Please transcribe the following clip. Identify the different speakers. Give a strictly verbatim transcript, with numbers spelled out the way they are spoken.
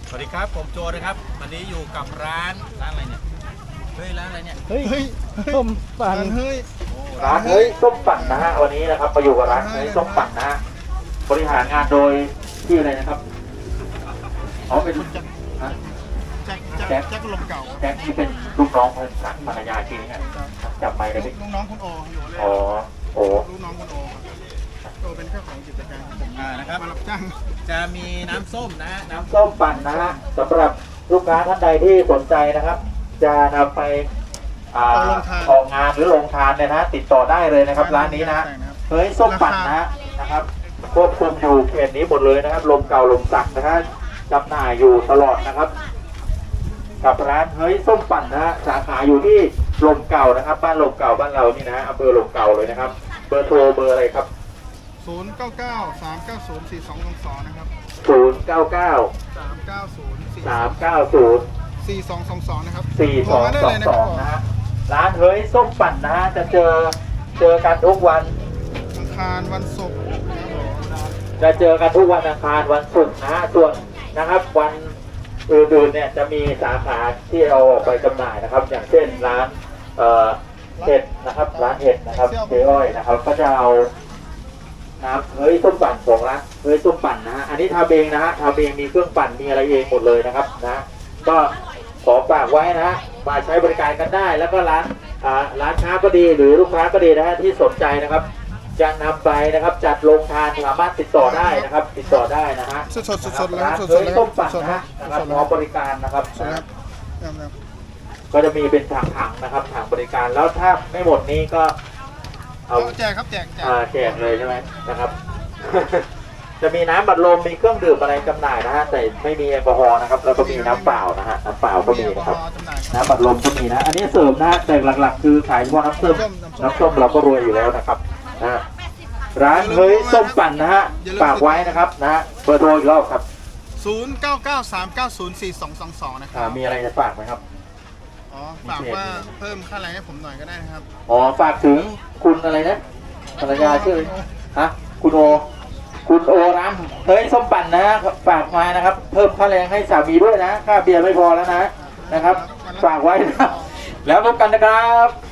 Speaker 1: สวัสดีครับผมโจนะครับวันนี้อยู่กับร้านร้านอะไรเนี่ยเฮ้ยร้านอะไรเนี่ย
Speaker 2: เฮ้ยส้มปั่น
Speaker 3: เฮ้ย
Speaker 4: ร้านเฮ้ยส้มปั่นนะฮะวันนี้นะครับมาอยู่กับร้านเฮ้ยส้มปั่นนะฮะบริหารงานโดยที่อะไรนะครับอ๋อเป็นฮะ
Speaker 3: แจ็คแจ็คแจ็คลมเก่า
Speaker 4: แจ็คที่เป็นลูกน้องของภรรยาจริงเนี่ยจับไมค์เลยพี่
Speaker 3: ลูกน้องคุณโออยู่เลย
Speaker 4: อ๋อโอ้
Speaker 3: ลูกน้องคุณโอครับโอเป็นเจ้าของกิจการผม
Speaker 1: อ่านะครับ
Speaker 3: มารับจ้าง
Speaker 1: จะมีน้ำส้มนะฮะน้ำ
Speaker 4: ส้มปั่นนะฮะสำหรับลูกค้าท่านใดที่สนใจนะครับ จะนำไปอ่าออกงานหรือลงทานเนี่ยนะติดต่อได้เลยนะครับ ร้านนี้นะเฮ้ยส้มปั่นนะฮะนะครับควบคุมอยู่เขตนี้หมดเลยนะครับลมเก่าลมสักนะฮะจำหน่ายอยู่ตลอดนะครับ กับร้านเฮ้ยส้มปั่นนะฮะสาขาอยู่ที่ลมเก่านะครับบ้านลมเก่าบ้านเรานี่นะฮะอำเภอลมเก่าเลยนะครับเบอร์โทรเบอร์อะไรครับ
Speaker 3: ศูนย์เก้าเก้าสามเก้าศูนย์สี่สองสองสองนะครับ
Speaker 4: ศูนย์ เก้า เก้า
Speaker 3: สามเก้าศูนย์สี่
Speaker 4: สาม เก้า ศูนย์
Speaker 3: สี่สองสองสองนะครับ
Speaker 4: สี่ สอง
Speaker 3: ได้
Speaker 4: สอ
Speaker 3: เล
Speaker 4: ง
Speaker 3: ยนะ
Speaker 4: ส
Speaker 3: ค
Speaker 4: อ
Speaker 3: รับ
Speaker 4: งนะฮะร้านเฮ้ยส้มปั่นนะฮะจะเจอเจอกันทุกวัน
Speaker 3: อังคารวันศุกร์นะครับผม
Speaker 4: จะเจอกันทุกวันอังคารวันศุกร์นะฮะส่วนนะครับวันอื่นๆเนี่ยจะมีสาขาที่เอาออกไปจำหน่ายนะครับ อย่างเช่นร้านเอ่อเห็ดนะครับร้านเห็ดนะครับเจ๊อ้อยนะครับก็จะเอาน้ำเฮ้ยส้มปั่นของร้านเฮ้ยส้มปั่นนะฮะอันนี้ทำเองนะฮะทำเองมีเครื่องปั่นมีอะไรเองหมดเลยนะครับนะก็ขอฝากไว้นะฮะมาใช้บริการกันได้ แล้วก็ร้านอ่าร้านค้าก็ดีหรือลูกค้าก็ดีนะฮะที่สนใจนะครับจะนำไปนะครับจัดลงทานสามารถติดต่อได้นะครับ ติดต่อได้นะฮะ
Speaker 3: สดสดสดสดเลยค
Speaker 4: ร้า
Speaker 3: รับ
Speaker 4: น
Speaker 3: สดส
Speaker 4: เฮ้
Speaker 3: ด
Speaker 4: ย
Speaker 3: เลยครั
Speaker 4: ส้
Speaker 3: บ
Speaker 4: มปั่น
Speaker 3: สด
Speaker 4: นะ
Speaker 3: ครั
Speaker 4: ฮะ
Speaker 3: บ
Speaker 4: นะครับ
Speaker 3: สด
Speaker 4: พร้อมบริการนะครับ
Speaker 3: สดครั
Speaker 4: นะ
Speaker 3: บครับครับ
Speaker 4: ก็จะมีเป็นถังๆนะครับถังบริการแล้วถ้าไม่หมดนี้ก็เอา
Speaker 3: เอาแจกครับแจกแจก
Speaker 4: อ่าแจกเลยใช่ไหมนะครับ จะมีน้ำบัดลมมีเครื่องดื่มอะไรจำหน่ายนะฮะแต่ไม่มีแอลกอฮอล์นะครับแล้วก็มีน้ำเปล่านะฮะน้ำเปล่าก็มีนะครับ
Speaker 3: จำหน่ายครับ
Speaker 4: น้ำบัดลมก็มีนะ อันนี้เสริมนะฮะแต่หลักๆ คือขายเฉพาะน้ำส้มน้ำส้มเราก็รวยอยู่แล้วนะครับนะฮะร้านเฮ้ยส้มปั่นนะฮะฝากไว้นะครับนะฮะเบอร์โทรอีกรอบครับ
Speaker 3: ศูนย์เก้าเก้าสามเก้าศูนย์สี่สองสองสองนะค
Speaker 4: อ่า
Speaker 3: รับ
Speaker 4: มีอะไรจะฝากไหมครับ
Speaker 3: อ๋อฝากว่าเพิ่มค่าแรงให้ผมหน่อยก็ได้นะครับ
Speaker 4: อ๋อฝากถึงคุณอะไรนะภรรยาชื่อฮะคุณโอ คุณโอร้านเฮ้ยส้มปั่นนะฝากมานะครับ เพิ่มค่าแรงให้สามีด้วยนะค่าเบียร์ไม่พอแล้วนะนะครับ ฝากไว้นะแล้วพบกันนะครับ